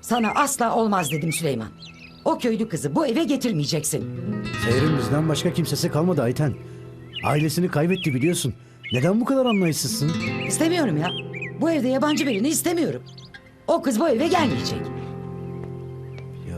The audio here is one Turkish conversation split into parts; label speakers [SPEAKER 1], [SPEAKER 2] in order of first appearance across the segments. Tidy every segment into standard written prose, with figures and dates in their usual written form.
[SPEAKER 1] Sana asla olmaz dedim Süleyman. O köylü kızı bu eve getirmeyeceksin.
[SPEAKER 2] Seher'in bizden başka kimsesi kalmadı Ayten. Ailesini kaybetti biliyorsun. Neden bu kadar anlayışsızsın?
[SPEAKER 1] İstemiyorum ya. Bu evde yabancı birini istemiyorum. O kız bu eve gelmeyecek.
[SPEAKER 2] Ya,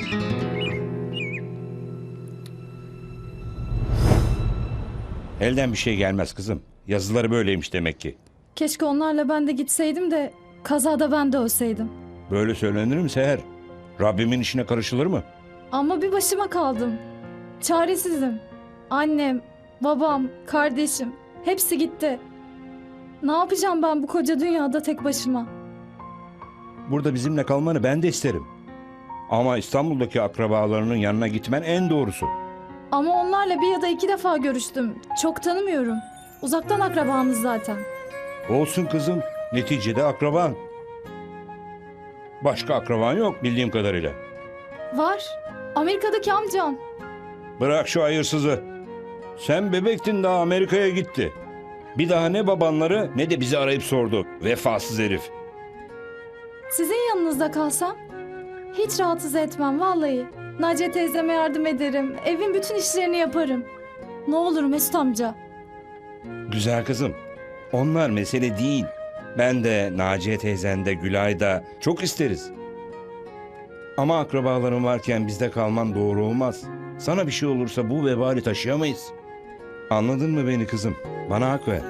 [SPEAKER 3] Elden bir şey gelmez kızım. Yazıları böyleymiş demek ki.
[SPEAKER 4] Keşke onlarla ben de gitseydim de kazada ben de ölseydim.
[SPEAKER 3] Böyle söylenir mi Seher? Rabbimin işine karışılır mı?
[SPEAKER 4] Ama bir başıma kaldım. Çaresizim. Annem, babam, kardeşim hepsi gitti. Ne yapacağım ben bu koca dünyada tek başıma?
[SPEAKER 3] Burada bizimle kalmanı ben de isterim. Ama İstanbul'daki akrabalarının yanına gitmen en doğrusu.
[SPEAKER 4] Ama onlarla bir ya da iki defa görüştüm. Çok tanımıyorum. Uzaktan akrabanız zaten.
[SPEAKER 3] Olsun kızım. Neticede akraban. Başka akraban yok bildiğim kadarıyla.
[SPEAKER 4] Var. Amerika'daki amcam.
[SPEAKER 3] Bırak şu hayırsızı. Sen bebektin daha Amerika'ya gitti. Bir daha ne babanları ne de bizi arayıp sordu. Vefasız herif.
[SPEAKER 4] Sizin yanınızda kalsam hiç rahatsız etmem vallahi. Naciye teyzeme yardım ederim. Evin bütün işlerini yaparım. Ne olur Mesut amca.
[SPEAKER 3] Güzel kızım. Onlar mesele değil. Ben de Naciye teyzen de Gülay da çok isteriz. Ama akrabaların varken bizde kalman doğru olmaz. Sana bir şey olursa bu vebali taşıyamayız. Anladın mı beni kızım? Bana hak ver.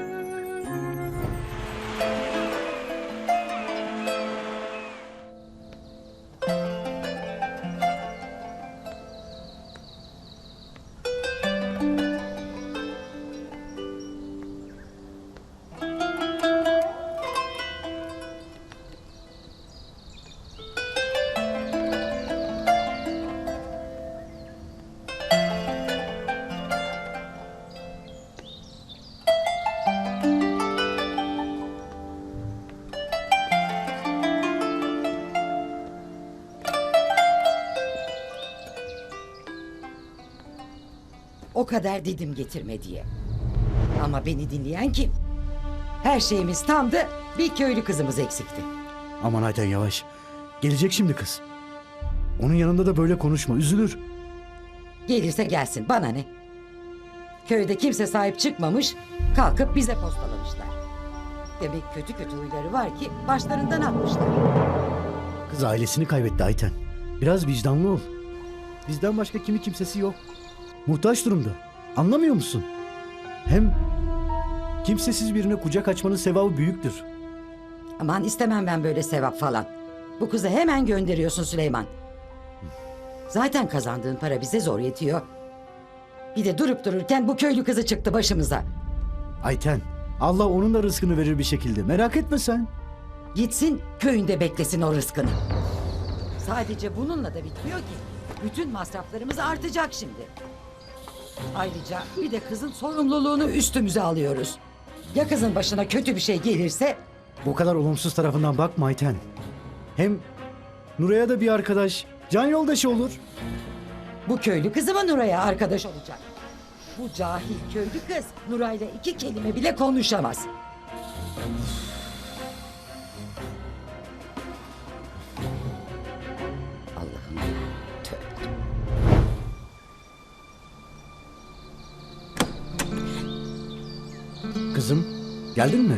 [SPEAKER 1] O kadar dedim getirme diye. Ama beni dinleyen kim? Her şeyimiz tamdı, bir köylü kızımız eksikti.
[SPEAKER 2] aman Ayten yavaş. Gelecek şimdi kız. Onun yanında da böyle konuşma, üzülür.
[SPEAKER 1] Gelirse gelsin, bana ne? Köyde kimse sahip çıkmamış, kalkıp bize postalamışlar. Demek kötü kötü huyları var ki başlarından atmışlar.
[SPEAKER 2] Kız ailesini kaybetti Ayten. Biraz vicdanlı ol. Bizden başka kimi kimsesi yok. Muhtaç durumda. Anlamıyor musun? Hem kimsesiz birine kucak açmanın sevabı büyüktür.
[SPEAKER 1] Aman istemem ben böyle sevap falan. Bu kızı hemen gönderiyorsun Süleyman. Zaten kazandığın para bize zor yetiyor. Bir de durup dururken bu köylü kızı çıktı başımıza.
[SPEAKER 2] Ayten, Allah onun da rızkını verir bir şekilde. Merak etme sen.
[SPEAKER 1] Gitsin köyünde beklesin o rızkını. Sadece bununla da bitmiyor ki. Bütün masraflarımız artacak şimdi. Ayrıca bir de kızın sorumluluğunu üstümüze alıyoruz. Ya kızın başına kötü bir şey gelirse?
[SPEAKER 2] Bu kadar olumsuz tarafından bakma Ayten. Hem Nuray'a da bir arkadaş, can yoldaşı olur.
[SPEAKER 1] Bu köylü kızı mı Nuray'a arkadaş olacak? Bu cahil köylü kız Nuray'la iki kelime bile konuşamaz. Allah'ım, tövbe.
[SPEAKER 2] Kızım, geldin mi?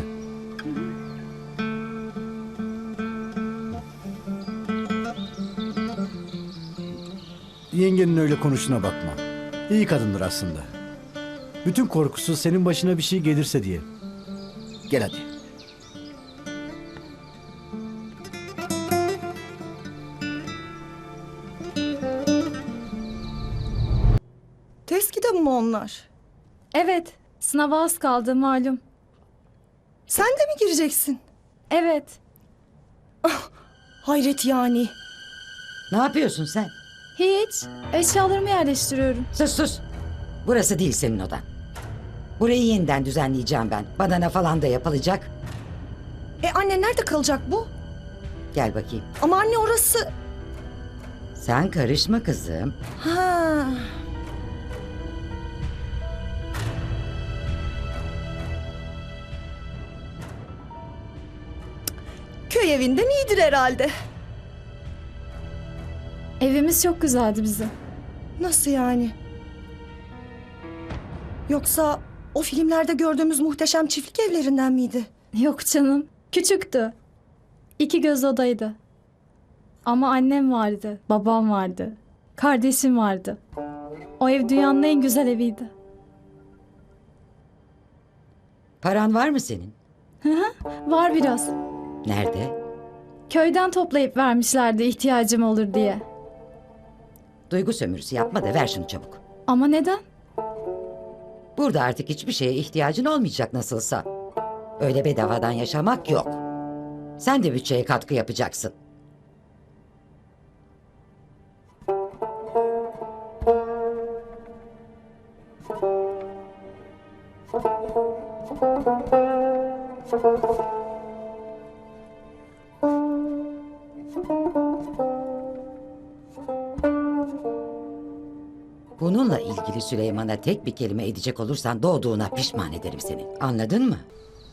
[SPEAKER 2] Yengenin öyle konuşuna bakma. İyi kadındır aslında. Bütün korkusu senin başına bir şey gelirse diye. Gel hadi.
[SPEAKER 5] Test kitabı mı onlar?
[SPEAKER 4] Evet, sınava az kaldı malum.
[SPEAKER 5] Sen de mi gireceksin?
[SPEAKER 4] Evet,
[SPEAKER 5] Hayret yani.
[SPEAKER 1] Ne yapıyorsun sen?
[SPEAKER 4] hiç. Eşyalarımı yerleştiriyorum.
[SPEAKER 1] Sus sus. Burası değil senin odan. Burayı yeniden düzenleyeceğim ben. Badana falan da yapılacak.
[SPEAKER 5] Anne nerede kalacak bu?
[SPEAKER 1] Gel bakayım.
[SPEAKER 5] Ama anne orası...
[SPEAKER 1] Sen karışma kızım.
[SPEAKER 5] Ha. Köy evinden iyidir herhalde.
[SPEAKER 4] Evimiz çok güzeldi bizim.
[SPEAKER 5] Nasıl yani? Yoksa o filmlerde gördüğümüz muhteşem çiftlik evlerinden miydi?
[SPEAKER 4] Yok canım. Küçüktü. 2 göz odaydı. Ama annem vardı, babam vardı, kardeşim vardı. O ev dünyanın en güzel eviydi.
[SPEAKER 1] Paran var mı senin?
[SPEAKER 4] Var biraz.
[SPEAKER 1] Nerede?
[SPEAKER 4] Köyden toplayıp vermişlerdi ihtiyacım olur diye.
[SPEAKER 1] Duygu sömürüsü yapma da ver şunu çabuk.
[SPEAKER 4] Ama neden?
[SPEAKER 1] Burada artık hiçbir şeye ihtiyacın olmayacak nasılsa. Öyle bedavadan yaşamak yok. Sen de bütçeye katkı yapacaksın. Bununla ilgili Süleyman'a tek bir kelime edecek olursan doğduğuna pişman ederim seni. Anladın mı?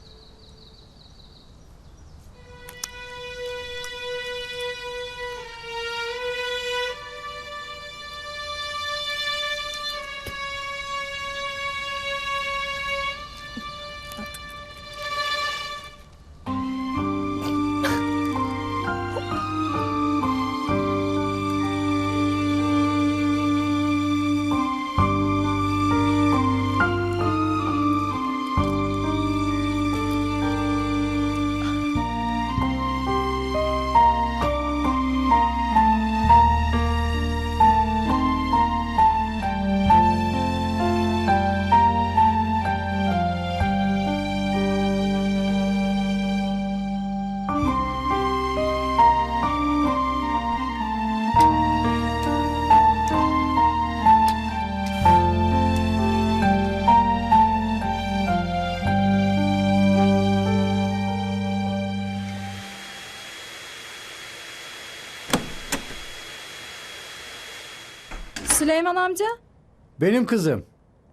[SPEAKER 4] Süleyman amca,
[SPEAKER 2] Benim kızım.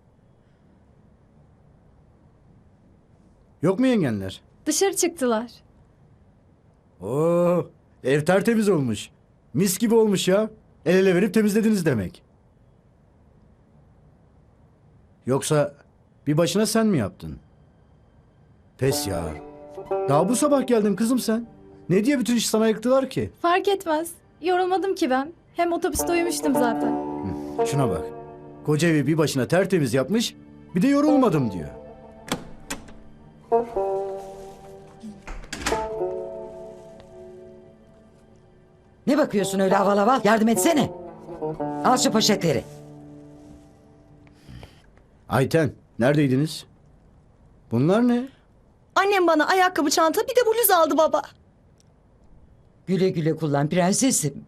[SPEAKER 2] Yok mu yengenler?
[SPEAKER 4] dışarı çıktılar.
[SPEAKER 2] Oo, ev tertemiz olmuş. Mis gibi olmuş ya. El ele verip temizlediniz demek. Yoksa bir başına sen mi yaptın? Pes ya. Daha bu sabah geldin kızım sen. Ne diye bütün işi sana yıktılar ki?
[SPEAKER 4] Fark etmez. Yorulmadım ki ben. Hem otobüste uyumuştum zaten.
[SPEAKER 2] Şuna bak. Koca evi bir başına tertemiz yapmış. Bir de yorulmadım diyor.
[SPEAKER 1] Ne bakıyorsun öyle aval aval? Yardım etsene. Al şu poşetleri.
[SPEAKER 2] Ayten, neredeydiniz? Bunlar ne?
[SPEAKER 5] Annem bana ayakkabı, çanta, bir de bluz aldı baba.
[SPEAKER 1] Güle güle kullan prensesim.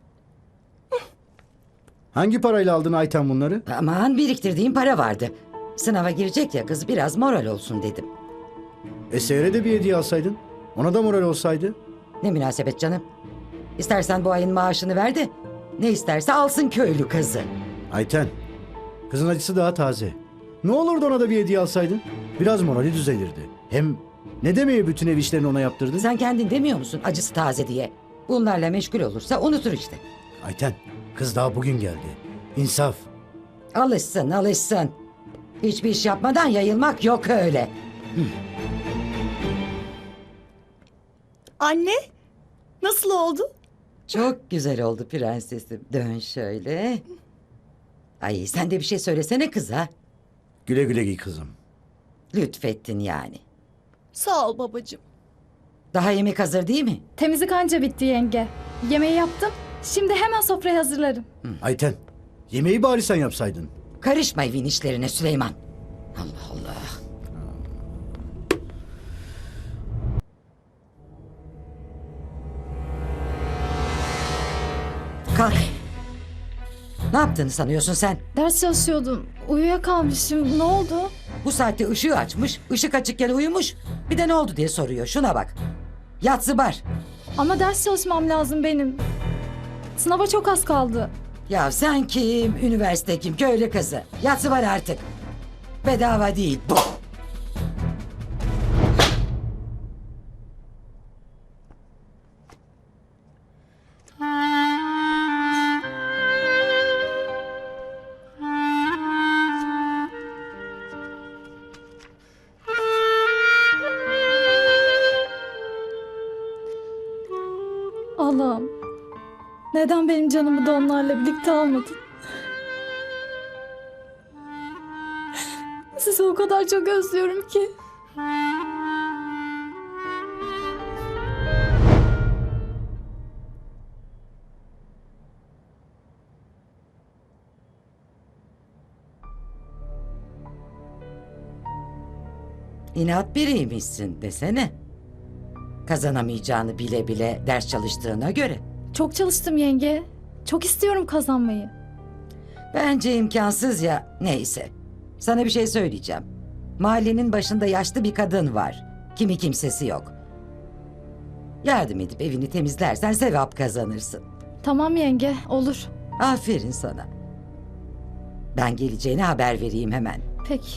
[SPEAKER 2] Hangi parayla aldın Ayten bunları?
[SPEAKER 1] Aman biriktirdiğim para vardı. Sınava girecek ya kız biraz moral olsun dedim.
[SPEAKER 2] Seher'e de bir hediye alsaydın. Ona da moral olsaydı.
[SPEAKER 1] Ne münasebet canım. İstersen bu ayın maaşını ver de ne isterse alsın köylü kızı.
[SPEAKER 2] Ayten, kızın acısı daha taze. Ne olurdu ona da bir hediye alsaydın? Biraz morali düzelirdi. Hem ne demeye bütün ev işlerini ona yaptırdın?
[SPEAKER 1] Sen kendin demiyor musun acısı taze diye? Bunlarla meşgul olursa unutur işte.
[SPEAKER 2] Ayten, kız daha bugün geldi. İnsaf.
[SPEAKER 1] Alışsın alışsın. Hiçbir iş yapmadan yayılmak yok öyle.
[SPEAKER 5] Anne, nasıl oldu?
[SPEAKER 1] Çok güzel oldu prensesim. Dön şöyle. Ay sen de bir şey söylesene kıza.
[SPEAKER 2] Güle güle giy kızım.
[SPEAKER 1] Lütfettin yani.
[SPEAKER 5] Sağ ol babacığım.
[SPEAKER 1] Daha yemek hazır değil mi?
[SPEAKER 4] Temizlik anca bitti yenge. Yemeği yaptım. Şimdi hemen sofrayı hazırlarım.
[SPEAKER 2] Ayten, yemeği bari sen yapsaydın.
[SPEAKER 1] Karışma evin işlerine Süleyman. Allah Allah. Kalk. Ne yaptığını sanıyorsun sen?
[SPEAKER 4] Ders çalışıyordum. Uyuyakalmışım. Ne oldu?
[SPEAKER 1] Bu saatte ışığı açmış, ışık açıkken uyumuş. Bir de ne oldu diye soruyor. Şuna bak. Yatsı bar.
[SPEAKER 4] Ama ders çalışmam lazım benim. Sınava çok az kaldı.
[SPEAKER 1] Ya sen kim? Üniversite kim? Köylü kızı. Yatsı var artık. Bedava değil bu.
[SPEAKER 4] Neden benim canımı da onlarla birlikte almadın? Sizi o kadar çok özlüyorum ki.
[SPEAKER 1] İnat biriymişsin desene. Kazanamayacağını bile bile ders çalıştığına göre.
[SPEAKER 4] Çok çalıştım yenge. Çok istiyorum kazanmayı.
[SPEAKER 1] Bence imkansız ya. Neyse. Sana bir şey söyleyeceğim. Mahallenin başında yaşlı bir kadın var. Kimi kimsesi yok. Yardım edip evini temizlersen sevap kazanırsın.
[SPEAKER 4] Tamam yenge, olur.
[SPEAKER 1] Aferin sana. Ben geleceğine haber vereyim hemen.
[SPEAKER 4] Peki.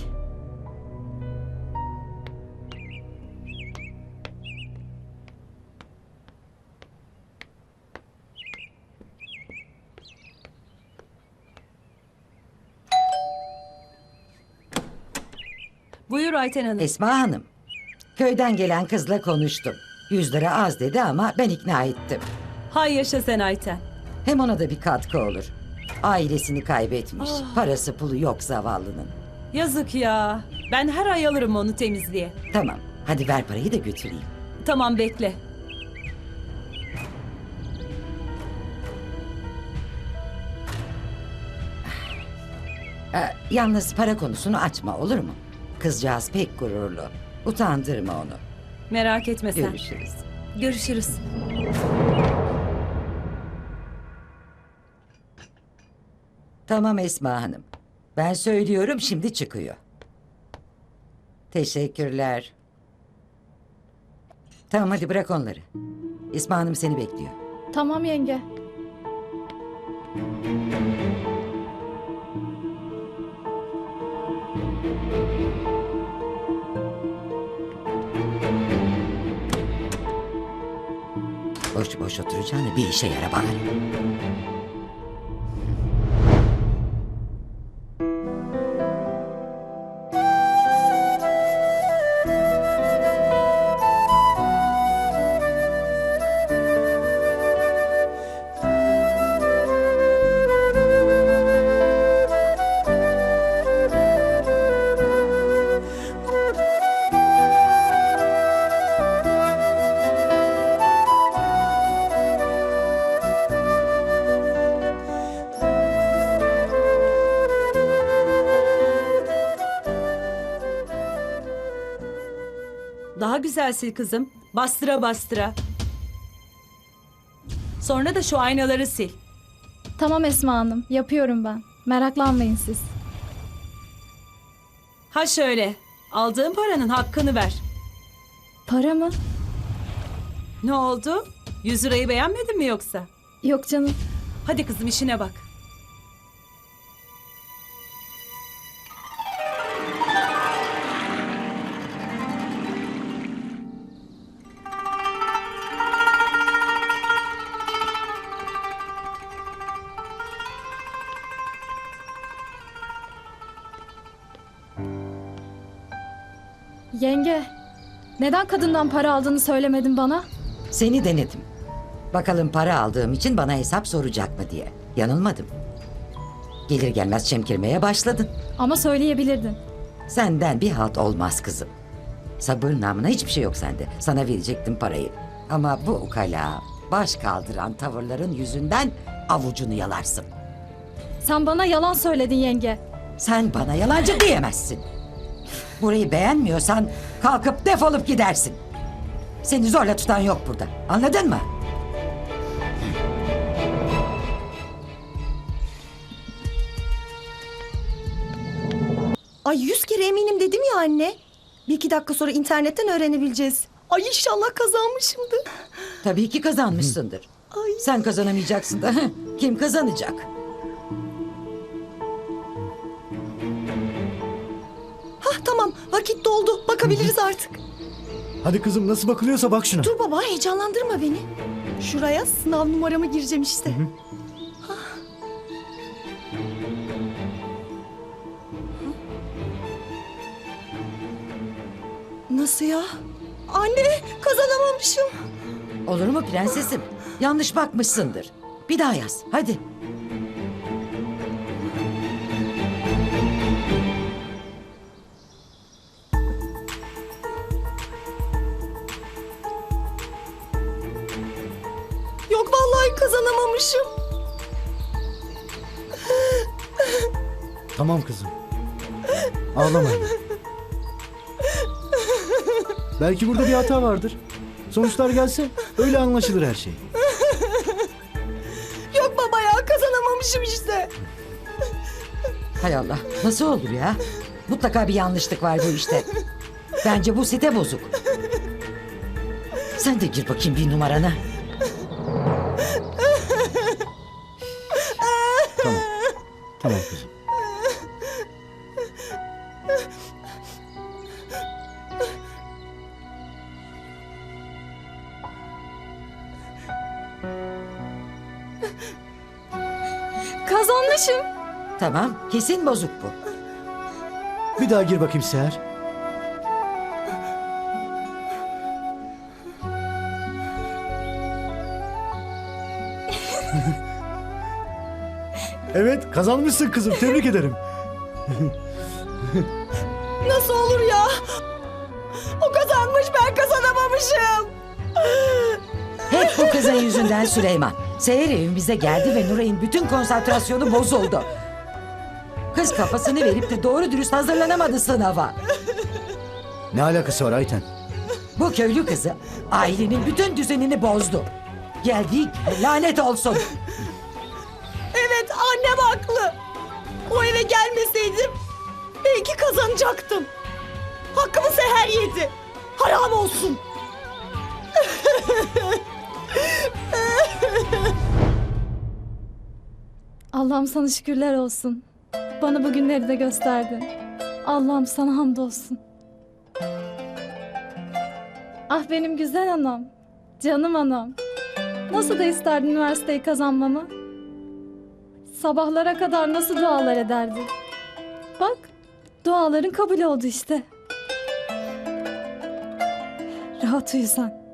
[SPEAKER 6] Buyur Ayten Hanım.
[SPEAKER 1] Esma Hanım. Köyden gelen kızla konuştum. 100 lira az dedi ama ben ikna ettim.
[SPEAKER 6] Hay yaşa sen Ayten.
[SPEAKER 1] Hem ona da bir katkı olur. Ailesini kaybetmiş. Parası pulu yok zavallının.
[SPEAKER 6] Yazık ya. Ben her ay alırım onu temizliğe.
[SPEAKER 1] Tamam. Hadi ver parayı da götüreyim.
[SPEAKER 6] Tamam bekle.
[SPEAKER 1] Yalnız para konusunu açma olur mu? Kızcağız pek gururlu. Utandırma onu.
[SPEAKER 6] Merak etme sen.
[SPEAKER 1] Görüşürüz.
[SPEAKER 6] Görüşürüz.
[SPEAKER 1] Tamam Esma Hanım. Ben söylüyorum şimdi çıkıyor. Teşekkürler. Tamam hadi bırak onları. Esma Hanım seni bekliyor.
[SPEAKER 4] Tamam yenge.
[SPEAKER 1] Boş boş oturacağına bir işe yara bari.
[SPEAKER 6] Daha güzel sil kızım. Bastıra bastıra. Sonra da şu aynaları sil.
[SPEAKER 4] Tamam Esma Hanım, yapıyorum ben. Meraklanmayın siz.
[SPEAKER 6] Ha şöyle. Aldığın paranın hakkını ver.
[SPEAKER 4] Para mı?
[SPEAKER 6] Ne oldu? 100 lirayı beğenmedin mi yoksa?
[SPEAKER 4] Yok canım.
[SPEAKER 6] Hadi kızım işine bak.
[SPEAKER 4] Yenge, neden kadından para aldığını söylemedin bana?
[SPEAKER 1] Seni denedim. Bakalım para aldığım için bana hesap soracak mı diye. Yanılmadım. Gelir gelmez çemkirmeye başladın.
[SPEAKER 4] Ama söyleyebilirdin.
[SPEAKER 1] Senden bir halt olmaz kızım. Sabır namına hiçbir şey yok sende. Sana verecektim parayı. Ama bu ukala, baş kaldıran tavırların yüzünden avucunu yalarsın.
[SPEAKER 4] Sen bana yalan söyledin yenge.
[SPEAKER 1] Sen bana yalancı diyemezsin. Burayı beğenmiyorsan kalkıp defolup gidersin. Seni zorla tutan yok burada. Anladın mı?
[SPEAKER 5] Ay 100 kere eminim dedim ya anne. Bir iki dakika sonra internetten öğrenebileceğiz. Ay inşallah kazanmışımdır.
[SPEAKER 1] Tabii ki kazanmışsındır.
[SPEAKER 5] Ay.
[SPEAKER 1] Sen kazanamayacaksın da kim kazanacak?
[SPEAKER 5] Hah tamam vakit doldu. Bakabiliriz artık.
[SPEAKER 2] Hadi kızım nasıl bakılıyorsa bak şuna.
[SPEAKER 5] Dur baba heyecanlandırma beni. Şuraya sınav numaramı gireceğim işte. Hah. Nasıl ya? Anne kazanamamışım.
[SPEAKER 1] Olur mu prensesim? Yanlış bakmışsındır. Bir daha yaz. Hadi.
[SPEAKER 5] Yok vallahi kazanamamışım.
[SPEAKER 2] Tamam kızım. Ağlama. Belki burada bir hata vardır. Sonuçlar gelse öyle anlaşılır her şey.
[SPEAKER 5] Yok baba ya, kazanamamışım işte.
[SPEAKER 1] Hay Allah. Nasıl olur ya? Mutlaka bir yanlışlık var bu işte. Bence bu site bozuk. Sen de gir bakayım bir numarana.
[SPEAKER 2] Tamam. Tamam kızım.
[SPEAKER 4] Kazanmışım.
[SPEAKER 1] Tamam. Kesin bozuk bu.
[SPEAKER 2] Bir daha gir bakayım Seher. Evet, kazanmışsın kızım. Tebrik ederim.
[SPEAKER 5] Nasıl olur ya? O kazanmış, ben kazanamamışım.
[SPEAKER 1] Hep bu kızın yüzünden Süleyman. Seher evimize geldi ve Nuray'ın bütün konsantrasyonu bozuldu. Kız kafasını verip de doğru dürüst hazırlanamadı sınava.
[SPEAKER 2] Ne alakası var Ayten?
[SPEAKER 1] Bu köylü kızı ailenin bütün düzenini bozdu. Geldiği gibi lanet olsun.
[SPEAKER 5] Evet, annem haklı. O eve gelmeseydim belki kazanacaktım. Hakkımı Seher yedi. Haram olsun.
[SPEAKER 4] Allah'ım sana şükürler olsun. Bana bu günleri de gösterdin. Allah'ım sana hamdolsun. Ah benim güzel anam. Canım anam. Nasıl da isterdin üniversiteyi kazanmamı? Sabahlara kadar nasıl dualar ederdi? Bak, duaların kabul oldu işte. Rahat uyu sen.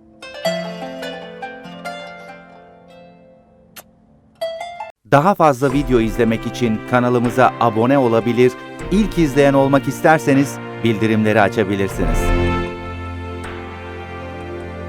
[SPEAKER 7] Daha fazla video izlemek için kanalımıza abone olabilir, ilk izleyen olmak isterseniz bildirimleri açabilirsiniz.